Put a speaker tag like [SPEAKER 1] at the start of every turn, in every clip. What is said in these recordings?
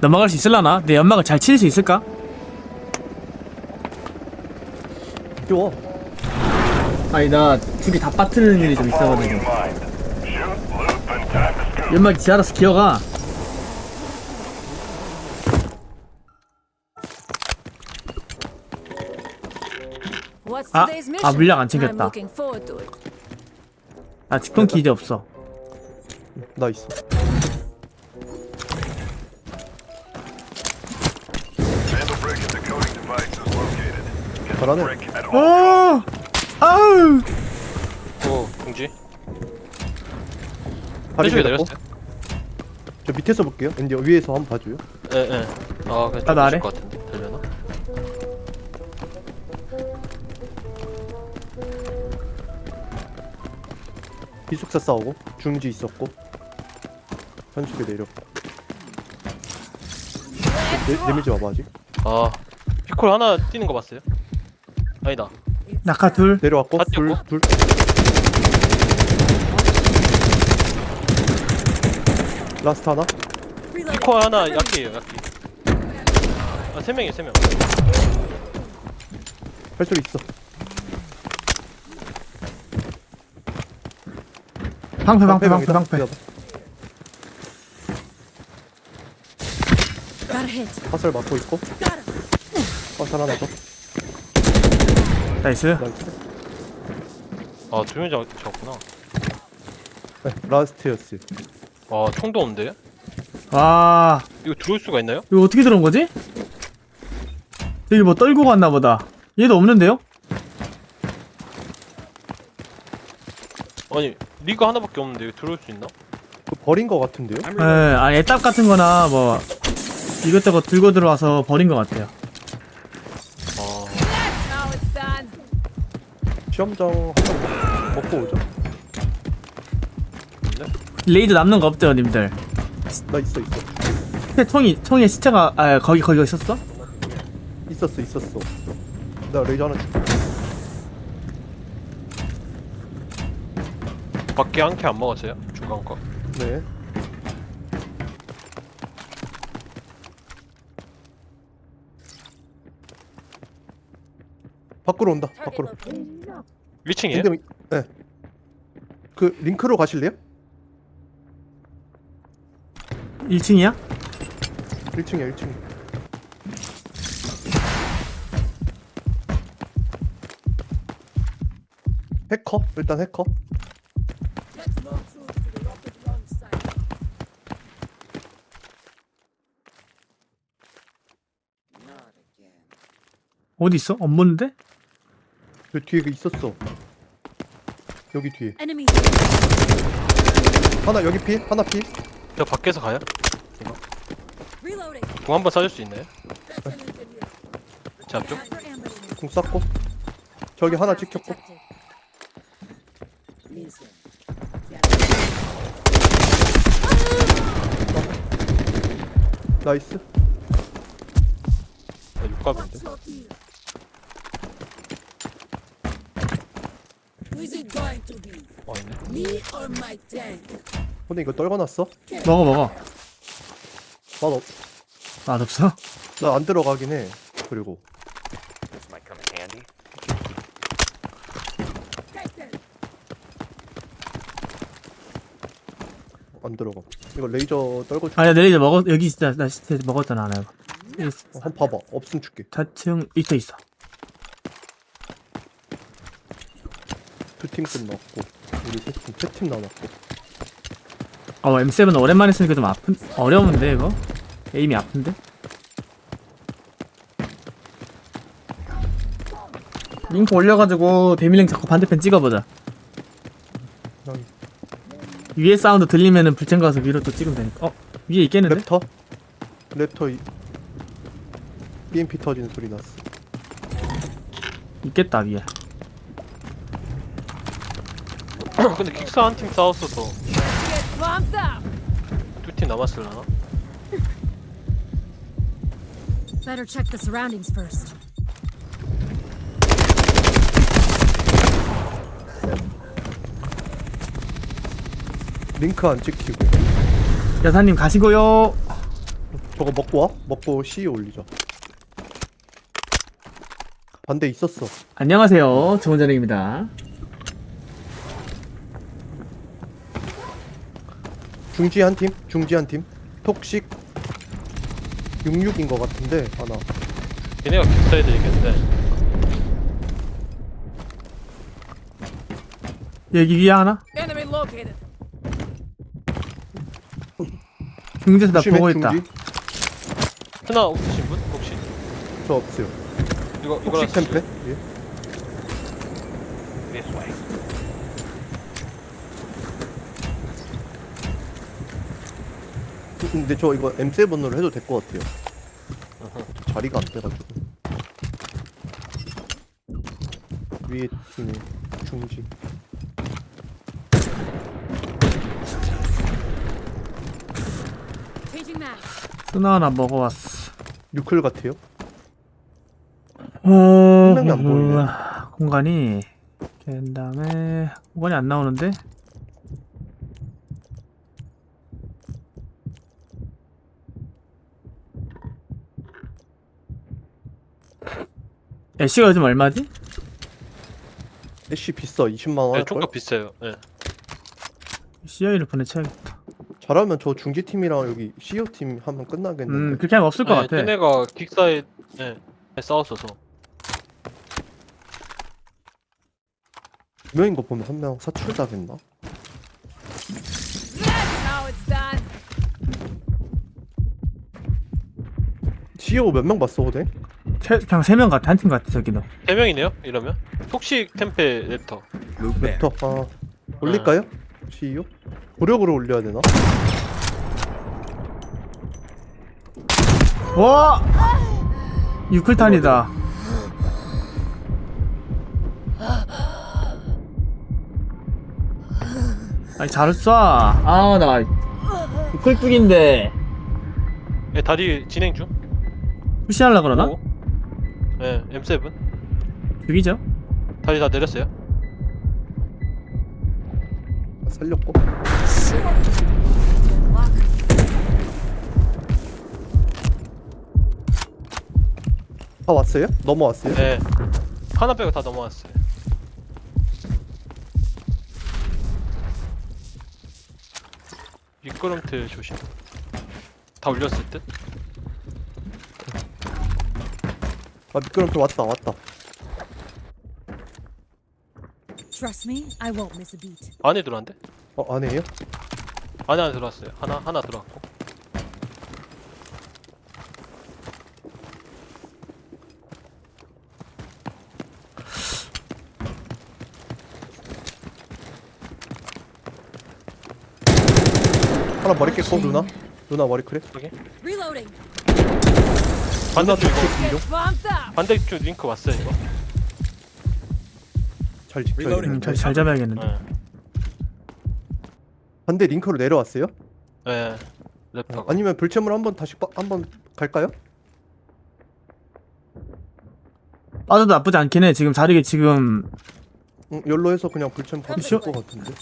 [SPEAKER 1] 넘어갈 수 있을라나? 내 연막을 잘 칠 수 있을까?
[SPEAKER 2] 쉬워.
[SPEAKER 1] 아니 나 두 개 다 빠뜨리는 일이 좀 있어가지고 연막이 지 알아서 기어가. 아 물량 안 챙겼다. 나 직통 기지 없어.
[SPEAKER 2] 나 있어. 잘하네.
[SPEAKER 1] 아우
[SPEAKER 3] 오, 공지.
[SPEAKER 2] 다리
[SPEAKER 3] 왼쪽에
[SPEAKER 2] 내렸고.
[SPEAKER 3] 내렸어요?
[SPEAKER 2] 저 밑에서 볼게요. 근데 위에서 한번 봐줘요.
[SPEAKER 3] 예, 예. 아, 그냥
[SPEAKER 1] 나도 아래?
[SPEAKER 3] 것 같은데. 되려나?
[SPEAKER 2] 기숙사 싸우고 중지 있었고 현숙이 내렸고. 내밀지 마봐 아직.
[SPEAKER 3] 아, 피콜 하나 뛰는 거 봤어요? 아니다.
[SPEAKER 1] 낙하 둘.
[SPEAKER 2] 내려왔고
[SPEAKER 3] 다
[SPEAKER 2] 둘
[SPEAKER 3] 뛰었고.
[SPEAKER 2] 둘. 라스트 하나.
[SPEAKER 3] 피콜 하나 약기예요, 약기. 아, 3명이에요, 3명.
[SPEAKER 2] 발소리 있어.
[SPEAKER 1] 방패.
[SPEAKER 2] 화살 맞고 있고. 화살 하나 더.
[SPEAKER 1] 나이스.
[SPEAKER 2] 나이스.
[SPEAKER 3] 아, 2명 잡았구나.
[SPEAKER 2] 네, 라스트였어요.
[SPEAKER 3] 아, 총도 없는데?
[SPEAKER 1] 와
[SPEAKER 3] 이거 들어올 수가 있나요?
[SPEAKER 1] 이거 어떻게 들어온 거지? 여기 뭐 떨고 갔나 보다. 얘도 없는데요?
[SPEAKER 3] 아니, 리가 하나밖에 없는데 이거 들어올 수 있나?
[SPEAKER 2] 그거 버린 거 같은데요?
[SPEAKER 1] 예, 아니 애답 같은 거나 뭐 이것저것 들고 들어와서 버린 것 같아요.
[SPEAKER 3] 아,
[SPEAKER 2] 시험장 한번 먹고 오죠.
[SPEAKER 3] 근데?
[SPEAKER 1] 레이저 남는 거 없대요 님들.
[SPEAKER 2] 나 있어.
[SPEAKER 1] 총에 시체가 거기 있었어?
[SPEAKER 2] 있었어. 나 레이저 하나 줄게.
[SPEAKER 3] 밖에 한 개 안 먹었어요? 중간 거.
[SPEAKER 2] 네. 밖으로 온다. 밖으로.
[SPEAKER 3] 1층이에요?
[SPEAKER 2] 근데 네. 그 링크로 가실래요?
[SPEAKER 1] 1층이야?
[SPEAKER 2] 1층이야 1층. 해커? 일단 해커.
[SPEAKER 1] 어디 있어? 안 보는데?
[SPEAKER 2] 저 뒤에 그 있었어. 여기 뒤에. 하나 여기 피? 하나 피?
[SPEAKER 3] 저 밖에서 가요? 이거? 공 한 번 쏴줄 수 있나요? 제 앞쪽?
[SPEAKER 2] 공 쐈고. 저기 하나 찍혔고. 나이스.
[SPEAKER 3] 아, 육갑인데? 아니네.
[SPEAKER 2] 근데 이거 떨궈놨어?
[SPEAKER 1] 먹어.
[SPEAKER 2] 맛없.
[SPEAKER 1] 맛없어?
[SPEAKER 2] 나 안 들어가긴 해. 그리고 안 들어가. 이거 레이저 떨궈 줄.
[SPEAKER 1] 아니야 내 레이저 먹었 여기 있어. 나 시체 먹었잖아 하나.
[SPEAKER 2] 한 봐봐. 없음 줄게.
[SPEAKER 1] 4층 있어.
[SPEAKER 2] 두 팀 끝났고 우리 세팀 남았고.
[SPEAKER 1] M7 오랜만에 쓰니까 좀 어려운데 이거? 에임이 아픈데? 링크 올려가지고 데밀링 자꾸 반대편 찍어보자.
[SPEAKER 2] 여기.
[SPEAKER 1] 위에 사운드 들리면은 불chen 가서 위로 또 찍으면 되니까. 위에 있겠는데?
[SPEAKER 2] 랩터 EMP 터지는 소리 났어.
[SPEAKER 1] 있겠다 위에.
[SPEAKER 3] 근데 킥사 한 팀 싸웠어서 두 팀 남았을라나?
[SPEAKER 4] Better check the surroundings first.
[SPEAKER 2] 링크 안 찍히고.
[SPEAKER 1] 여사님 가시고요.
[SPEAKER 2] 저거 먹고 와. 먹고 C에 올리자. 반대 있었어.
[SPEAKER 1] 안녕하세요. 좋은 저녁입니다.
[SPEAKER 2] 중지 한 팀. 중지 한 팀. 톡식 66인 것 같은데 하나.
[SPEAKER 3] 걔네가 격사해야 되겠는데.
[SPEAKER 1] 여기 위에 하나?
[SPEAKER 5] Enemy located.
[SPEAKER 1] 중지에서 나
[SPEAKER 2] 조심해,
[SPEAKER 1] 보고 있다.
[SPEAKER 2] 중지.
[SPEAKER 3] 하나 없으신 분? 혹시?
[SPEAKER 2] 저 없어요.
[SPEAKER 3] 이거랑
[SPEAKER 2] 톡식 템페. 예. 근데 저 이거 M7으로 해도 될 것 같아요. 저 자리가 안 돼가지고. 위에 팀이 중지.
[SPEAKER 4] Changing map.
[SPEAKER 1] 쓰나 하나 먹어왔어.
[SPEAKER 2] 뉴클 같아요.
[SPEAKER 1] 어...
[SPEAKER 2] 명이 안 보이네.
[SPEAKER 1] 공간이 그 다음에 공간이 안 나오는데? 애쉬가 요즘 얼마지?
[SPEAKER 2] 애쉬 비싸. 20만 원
[SPEAKER 3] 네,
[SPEAKER 2] 할걸?
[SPEAKER 3] 총값 비싸요. 네.
[SPEAKER 1] CI를 보내쳐야겠다.
[SPEAKER 2] 잘하면 저 중지 팀이랑 여기 CEO 팀 하면 끝나겠는데.
[SPEAKER 1] 그렇게 하면 없을 것 같아.
[SPEAKER 3] 걔네가 킥사에 싸웠어서.
[SPEAKER 2] 두 명인 거 보면 한 명 사출 당했나?
[SPEAKER 5] That's how it's done.
[SPEAKER 2] CEO 몇 명 봤어, 호대?
[SPEAKER 1] 그냥 3명 같아. 한 팀 같아 저기는.
[SPEAKER 3] 3명이네요? 이러면? 톡식 템페 랩터.
[SPEAKER 2] 랩터. 아, 올릴까요? CEO? 고력으로 올려야 되나?
[SPEAKER 1] 와! 유클탄이다. 아니 잘 쏴. 아 나 유클뚝인데
[SPEAKER 3] 예, 다리 진행 중.
[SPEAKER 1] 푸시하려 그러나?
[SPEAKER 3] 오. 예, M7.
[SPEAKER 1] 죽이죠.
[SPEAKER 3] 다리 다 내렸어요.
[SPEAKER 2] 살렸고. 다 왔어요? 넘어왔어요?
[SPEAKER 3] 예. 하나 빼고 다 넘어왔어요. 미끄럼틀 조심. 다 올렸을 듯?
[SPEAKER 2] 아, 미끄럼틀 왔다, 왔다.
[SPEAKER 4] Trust me, I won't miss a beat.
[SPEAKER 3] 안에 들어왔는데?
[SPEAKER 2] 안에요?
[SPEAKER 3] 안에 들어왔어요. 하나 들어왔고.
[SPEAKER 2] 하나 머리 깼고, 누나? 누나 머리 크래?
[SPEAKER 4] Reloading.
[SPEAKER 3] 반대쪽 이거
[SPEAKER 2] 공룡?
[SPEAKER 5] Bumped up.
[SPEAKER 3] 반대쪽 링크 왔어요 이거.
[SPEAKER 2] 잘 지켜야 돼.
[SPEAKER 1] 잘 잡아야겠는데.
[SPEAKER 3] 예.
[SPEAKER 2] 반대 링크로 내려왔어요?
[SPEAKER 3] 예. 랩터가.
[SPEAKER 2] 아니면 불체물 한번 다시 한번 갈까요?
[SPEAKER 1] 빠져도 나쁘지 않긴 해. 지금 자리가 지금
[SPEAKER 2] 응, 열로 해서 그냥 불체물 가도
[SPEAKER 1] 쉬워.
[SPEAKER 2] 될것 같은데.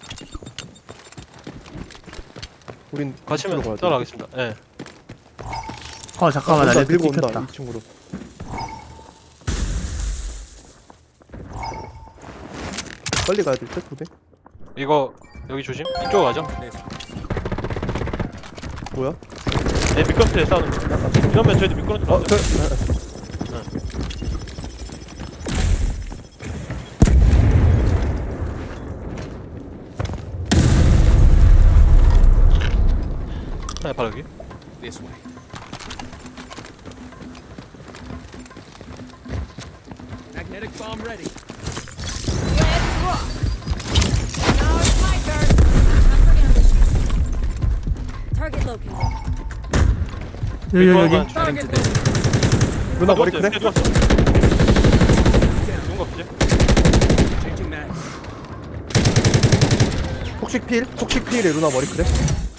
[SPEAKER 2] 우린
[SPEAKER 3] 가시면
[SPEAKER 2] 이쪽으로 가야 돼.
[SPEAKER 3] 따라가겠습니다. 예.
[SPEAKER 1] 잠깐만 나
[SPEAKER 2] 온다,
[SPEAKER 1] 레드
[SPEAKER 2] 밀고 온다.
[SPEAKER 1] 찍혔다.
[SPEAKER 2] 2층으로. 빨리 가야 될 듯, 후대?
[SPEAKER 3] 이거 여기 조심. 이쪽 가죠.
[SPEAKER 2] 뭐야?
[SPEAKER 3] 네, 미끄럼틀에 싸우는 거. 이러면 저희도 미끄럼틀
[SPEAKER 2] 어,
[SPEAKER 3] 가죠. 네, 바로 여기.
[SPEAKER 5] Let's rock. Now it's my turn.
[SPEAKER 4] Time for ambushes. Target located.
[SPEAKER 1] 여기.
[SPEAKER 5] Target located.
[SPEAKER 2] 누나 머리 크래?
[SPEAKER 3] 죽은 거 없지?
[SPEAKER 2] 톡식 필에 누나 머리 크래?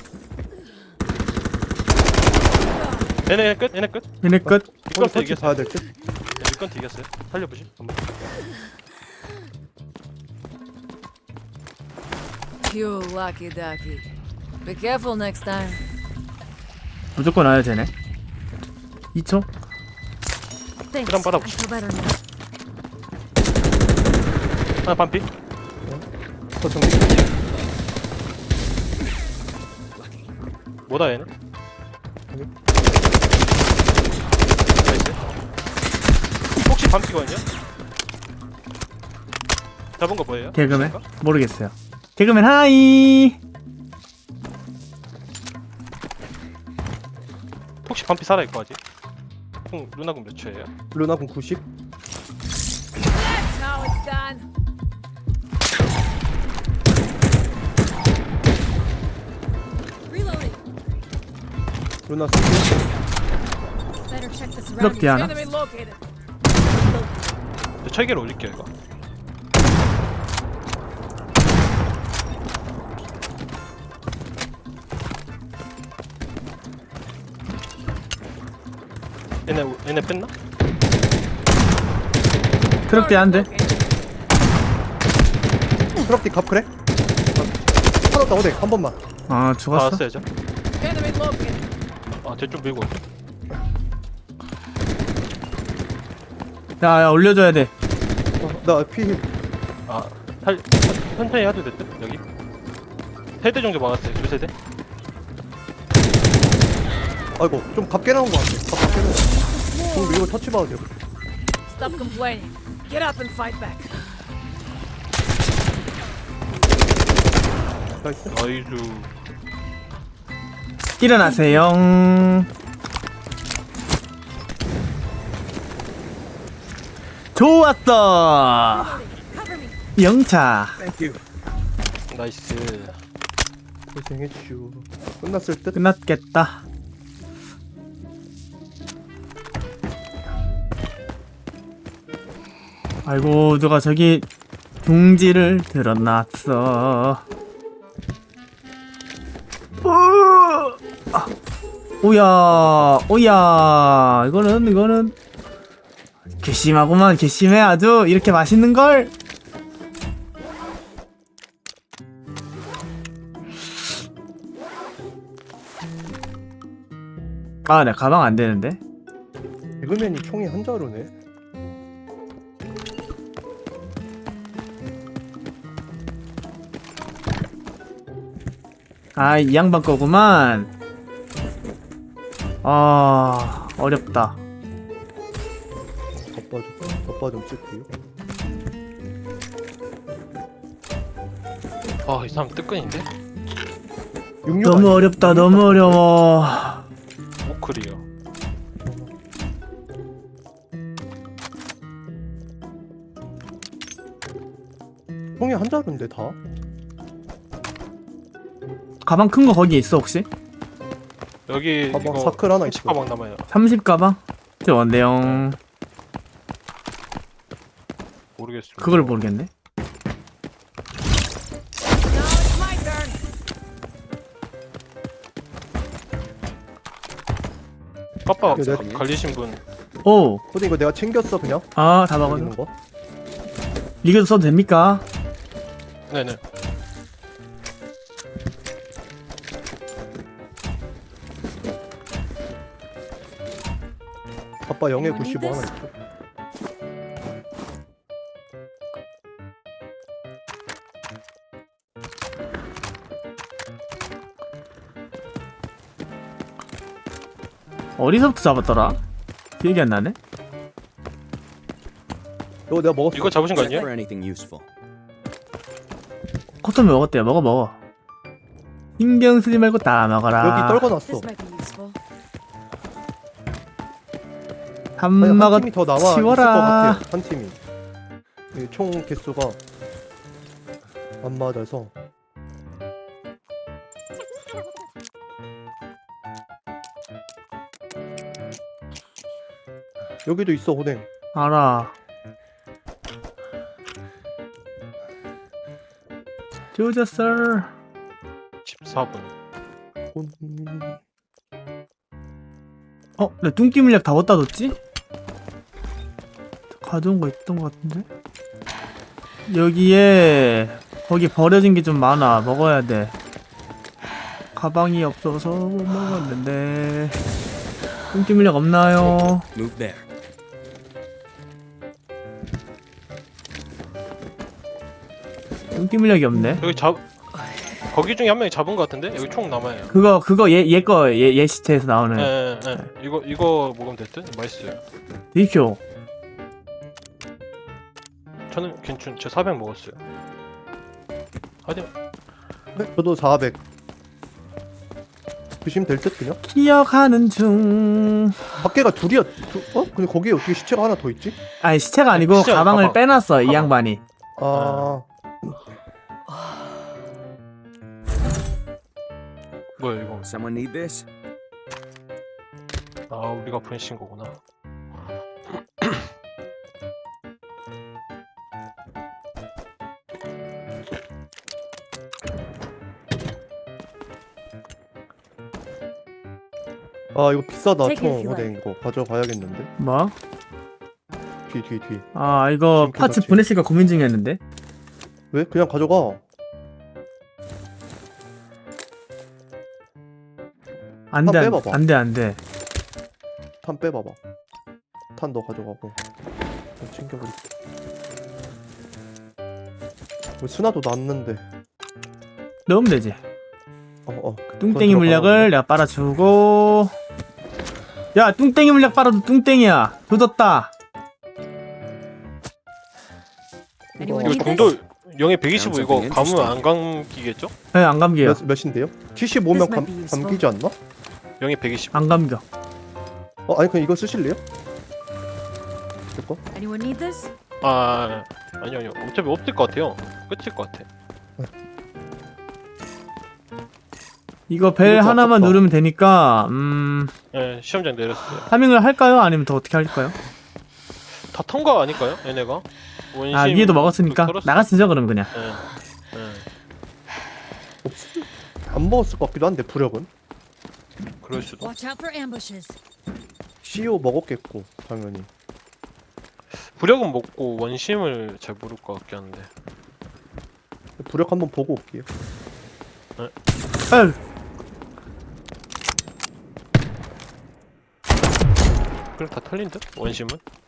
[SPEAKER 3] 얘네 끝? 얘네 끝?
[SPEAKER 1] 얘네 끝.
[SPEAKER 2] 오늘
[SPEAKER 3] 미끄럼틀
[SPEAKER 2] 터치
[SPEAKER 3] 이겼어요.
[SPEAKER 2] 봐야 될 듯?
[SPEAKER 3] 네, 미끄럼틀 이겼어요. 살려보시. 한번.
[SPEAKER 5] You lucky ducky. Be careful next time.
[SPEAKER 1] 무조건 와야 되네. 2초?
[SPEAKER 4] Thanks.
[SPEAKER 3] 그럼
[SPEAKER 4] I
[SPEAKER 3] 받아보자.
[SPEAKER 4] feel better now.
[SPEAKER 3] 하나 반피.
[SPEAKER 2] 더 정리.
[SPEAKER 3] 뭐다 얘는? 나이스. 혹시 반피거든요? 잡은 거 뭐예요?
[SPEAKER 1] 개그맨?
[SPEAKER 3] 혹시인가?
[SPEAKER 1] 모르겠어요. 개그맨 하이!
[SPEAKER 3] 혹시 반피 살아있고 아직? 형 루나군 몇 초예요?
[SPEAKER 2] 루나군 90.
[SPEAKER 5] That's how it's done.
[SPEAKER 4] Reloading.
[SPEAKER 2] 루나 30.
[SPEAKER 4] Better check the
[SPEAKER 1] 그렇게
[SPEAKER 4] surroundings.
[SPEAKER 1] 하나?
[SPEAKER 5] Enemy located.
[SPEAKER 3] 저 철기를 올릴게요 이거. 얘네 뺐나?
[SPEAKER 1] 그렇게 안 돼.
[SPEAKER 5] Located.
[SPEAKER 2] 트럭디 갑 그래? 하나 더 오뎅 한 번만.
[SPEAKER 1] 아, 죽었어?
[SPEAKER 3] 받았어야죠.
[SPEAKER 5] Enemy located.
[SPEAKER 3] 쟤좀 밀고 올게.
[SPEAKER 1] 야, 올려줘야 돼.
[SPEAKER 2] 나 피.
[SPEAKER 3] 아, 천천히 해도 됐대 여기. 세대 정도 막았어요. 두 세대.
[SPEAKER 2] 아이고 좀 갑게 나온 거 같아. 갑 갑게 나온. 좀 밀고 터치 봐도 돼.
[SPEAKER 5] Stop complaining. Get up and fight back.
[SPEAKER 2] 나이스.
[SPEAKER 3] 나이스.
[SPEAKER 1] 일어나세요. 좋았어.
[SPEAKER 4] Cover me.
[SPEAKER 1] 영차.
[SPEAKER 2] 땡큐.
[SPEAKER 3] 나이스.
[SPEAKER 2] 고생했슈. 끝났을 듯.
[SPEAKER 1] 끝났겠다. 아이고, 누가 저기 둥지를 들어놨어. 오야, 오야. 이거는 괘씸하구만. 괘씸해 아주. 이렇게 맛있는 걸. 아, 내 가방 안 되는데.
[SPEAKER 2] 개그맨이 총이 한 자루네.
[SPEAKER 1] 아, 이 양반 거구만. 아, 어렵다.
[SPEAKER 2] 덮밥 좀 쓸게요.
[SPEAKER 3] 아, 이 사람 뜨끈인데?
[SPEAKER 2] 66
[SPEAKER 1] 너무
[SPEAKER 2] 아니야?
[SPEAKER 1] 어렵다. 너무 어려워.
[SPEAKER 3] 오클이요.
[SPEAKER 2] 총이 한 자루인데 다?
[SPEAKER 1] 가방 큰 거 거기 있어 혹시?
[SPEAKER 3] 여기
[SPEAKER 2] 가방
[SPEAKER 3] 이거
[SPEAKER 2] 사클 하나 있어.
[SPEAKER 3] 10가방 남아요.
[SPEAKER 1] 30 가방? 저 원대용.
[SPEAKER 3] 모르겠습니다.
[SPEAKER 1] 그걸 모르겠네.
[SPEAKER 5] Now it's my turn.
[SPEAKER 3] 빠빠
[SPEAKER 2] 이거 내가-
[SPEAKER 3] 갈리신 분
[SPEAKER 1] 오,
[SPEAKER 2] 근데 이거 내가 챙겼어 그냥.
[SPEAKER 1] 아, 다
[SPEAKER 2] 여기
[SPEAKER 1] 먹었네.
[SPEAKER 2] 있는 거.
[SPEAKER 1] 리그도 써도 됩니까?
[SPEAKER 3] 네네.
[SPEAKER 2] 아빠 0에
[SPEAKER 4] Anyone
[SPEAKER 2] 95
[SPEAKER 4] need
[SPEAKER 2] 하나
[SPEAKER 4] this?
[SPEAKER 2] 있어.
[SPEAKER 1] 어디서부터 잡았더라? 기억이 안 나네.
[SPEAKER 2] 이거 내가 먹었어.
[SPEAKER 3] 이거 잡으신 거
[SPEAKER 6] Check
[SPEAKER 3] 아니에요?
[SPEAKER 6] for anything useful.
[SPEAKER 1] 커튼 먹었대요. 먹어. 신경 쓰지 말고 다 먹어라.
[SPEAKER 2] 여기 떨궈놨어.
[SPEAKER 4] This might be useful.
[SPEAKER 1] 한
[SPEAKER 2] 아니, 한
[SPEAKER 1] 먹었
[SPEAKER 2] 팀이 더 나와 있을 것
[SPEAKER 1] 치워라.
[SPEAKER 2] 같아요. 한 팀이. 이총 개수가 안 맞아서. 여기도 있어 호댕.
[SPEAKER 1] 알아. 조졌어.
[SPEAKER 3] 14분.
[SPEAKER 1] 어, 내 뚱기 물약 다 어디다 뒀지? 가져온 거 있던 거 같은데? 여기에 거기 버려진 게 좀 많아. 먹어야 돼. 가방이 없어서 못 먹었는데. 뚱띠 물약 없나요?
[SPEAKER 6] Move there.
[SPEAKER 1] 뚱띠 물약이 없네.
[SPEAKER 3] 여기 거기 중에 한 명이 잡은 것 같은데? 여기 총 남아요.
[SPEAKER 1] 그거 얘 시체에서 나오는.
[SPEAKER 3] 예. 이거 먹으면 됐든? 맛있어요.
[SPEAKER 1] 디쇼.
[SPEAKER 3] 저는 괜찮, 저 400 먹었어요. 하여튼,
[SPEAKER 2] 네, 저도 400 드시면 될 듯 그냥.
[SPEAKER 1] 기억하는 중.
[SPEAKER 2] 밖에가 둘이야. 근데 거기에 어떻게 시체가 하나 더 있지?
[SPEAKER 1] 아니 시체가 아니고
[SPEAKER 3] 시체가
[SPEAKER 1] 가방을
[SPEAKER 3] 가방.
[SPEAKER 1] 빼놨어 이
[SPEAKER 3] 가방.
[SPEAKER 1] 양반이.
[SPEAKER 2] 아,
[SPEAKER 3] 뭐야 이거?
[SPEAKER 6] Someone need this?
[SPEAKER 3] 아, 우리가 보내신 거구나.
[SPEAKER 2] 이거 비싸다.
[SPEAKER 4] Take it if
[SPEAKER 2] 총
[SPEAKER 4] you
[SPEAKER 2] 어디 이거 가져가야겠는데.
[SPEAKER 1] 뭐?
[SPEAKER 2] 뒤.
[SPEAKER 1] 아 이거
[SPEAKER 2] 지금
[SPEAKER 1] 파츠
[SPEAKER 2] 그거지.
[SPEAKER 1] 보냈을까 고민 중이었는데.
[SPEAKER 2] 왜? 그냥 가져가.
[SPEAKER 1] 안돼
[SPEAKER 2] 빼봐봐.
[SPEAKER 1] 안돼.
[SPEAKER 2] 탄 빼봐봐. 탄 너 가져가고. 좀 챙겨버릴게. 수나도 났는데.
[SPEAKER 1] 넣으면 되지. 뚱땡이
[SPEAKER 2] 그건
[SPEAKER 1] 물약을 내가 빨아주고. 야 뚱땡이 물약 빨아도 뚱땡이야. 조졌다.
[SPEAKER 4] Anyone
[SPEAKER 3] 이거
[SPEAKER 4] need
[SPEAKER 3] 정도
[SPEAKER 4] this?
[SPEAKER 3] 영에 125 이거
[SPEAKER 6] Sounds
[SPEAKER 3] 감으면 안 감기겠죠?
[SPEAKER 1] 네, 안 감겨요.
[SPEAKER 2] 몇인데요? 75면
[SPEAKER 4] This might be useful.
[SPEAKER 2] 감기지 않나?
[SPEAKER 3] 영에 120.
[SPEAKER 1] 안 감겨.
[SPEAKER 2] 아니 그냥 이거 쓰실래요? 이거?
[SPEAKER 4] Anyone need this?
[SPEAKER 3] 아니요. 어차피 없을 것 같아요. 끝일 것 같아.
[SPEAKER 1] 이거 벨
[SPEAKER 2] 이것도
[SPEAKER 1] 하나만
[SPEAKER 2] 아깝다.
[SPEAKER 1] 누르면 되니까
[SPEAKER 3] 예, 시험장 내렸어요.
[SPEAKER 1] 파밍을 할까요? 아니면 더 어떻게 할까요?
[SPEAKER 3] 다 통과 아닐까요? 얘네가? 원심
[SPEAKER 1] 아 위에도 먹었으니까
[SPEAKER 3] 털었어.
[SPEAKER 1] 나가시죠 그럼 그냥.
[SPEAKER 3] 예.
[SPEAKER 2] 안 먹었을 것 같기도 한데 부력은
[SPEAKER 3] 그럴 수도.
[SPEAKER 4] Watch out for ambushes.
[SPEAKER 2] CO 먹었겠고 당연히.
[SPEAKER 3] 부력은 먹고 원심을 잘 모를 것 같긴 한데.
[SPEAKER 2] 부력 한번 보고 올게요.
[SPEAKER 1] 에휴,
[SPEAKER 3] 그래 다 털린 듯? 원심은?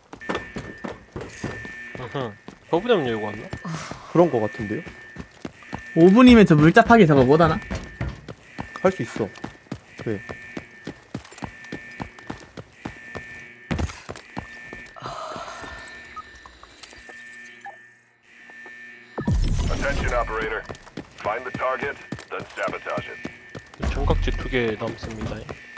[SPEAKER 3] 버브담 열고 왔나?
[SPEAKER 2] 그런 거 같은데요?
[SPEAKER 1] 5분이면 저 물잡하기 저거 못하나?
[SPEAKER 2] 할 수 있어. 네.
[SPEAKER 7] Attention, operator. Find the target, then sabotage it.
[SPEAKER 3] 청각지 2개 남습니다.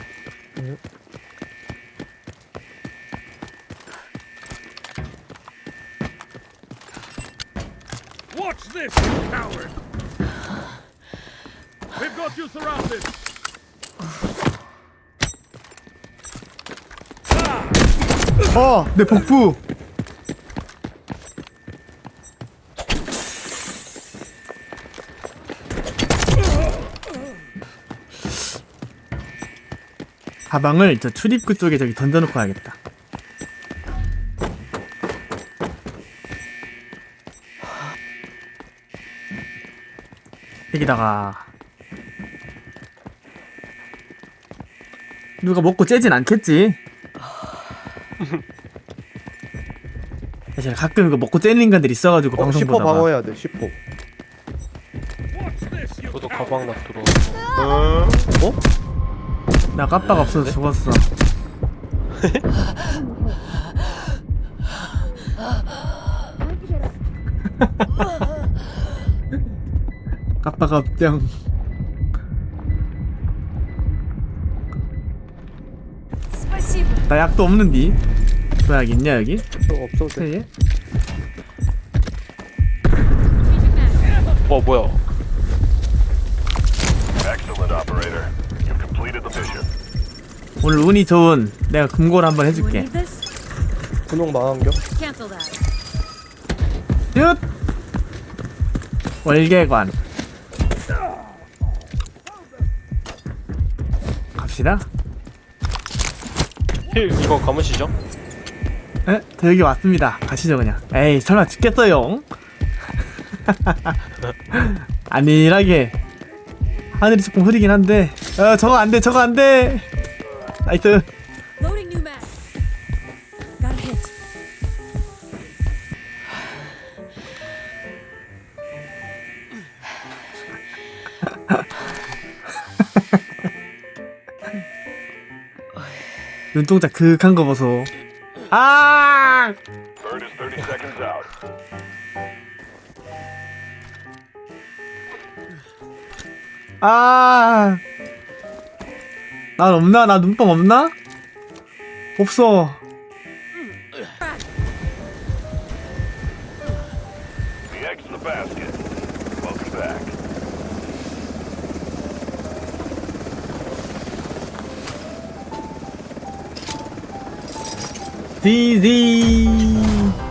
[SPEAKER 8] Watch this, you coward! We've got you surrounded!
[SPEAKER 1] 내 복부. 가방을 저 출입구 쪽에 저기 던져놓고 가야겠다. 여기다가 누가 먹고 째진 않겠지? 사실 가끔 이거 먹고 째는 인간들 있어가지고 방송
[SPEAKER 2] 10%
[SPEAKER 1] 보다가
[SPEAKER 2] 방어해야 돼. 10%.
[SPEAKER 8] Watch this, you
[SPEAKER 3] 저도 가방 나 들어와서.
[SPEAKER 1] 나 깜빡 없어서 죽었어. 깜빡 없정.
[SPEAKER 4] Спасибо.
[SPEAKER 1] 나 약도 없는디. 약 있냐 여기?
[SPEAKER 2] 없어도 돼.
[SPEAKER 1] 세개?
[SPEAKER 3] 뭐야?
[SPEAKER 7] Excellent, operator. You've completed the mission.
[SPEAKER 1] 오늘 운이 좋은 내가 금고를 한번
[SPEAKER 4] Anyone
[SPEAKER 1] 해줄게.
[SPEAKER 4] need this?
[SPEAKER 2] 분홍 망원경.
[SPEAKER 4] Cancel that.
[SPEAKER 1] 슛! 월계관. 갑시다.
[SPEAKER 3] 힐 이거 감으시죠?
[SPEAKER 1] 에? 저 여기 왔습니다. 가시죠 그냥. 에이 설마 죽겠어요? 안일하게 하늘이 조금 흐리긴 한데 저거 안돼 저거 안돼. 나이스.
[SPEAKER 4] Loading new mag. Got a hit.
[SPEAKER 1] 눈동자 그윽한 거 보소. 아
[SPEAKER 7] Bird is 30 seconds out.
[SPEAKER 1] 아. 난 없나? 나 눈뽕 없나? 없어.
[SPEAKER 7] The egg's in the basket. Welcome back.
[SPEAKER 1] 디디.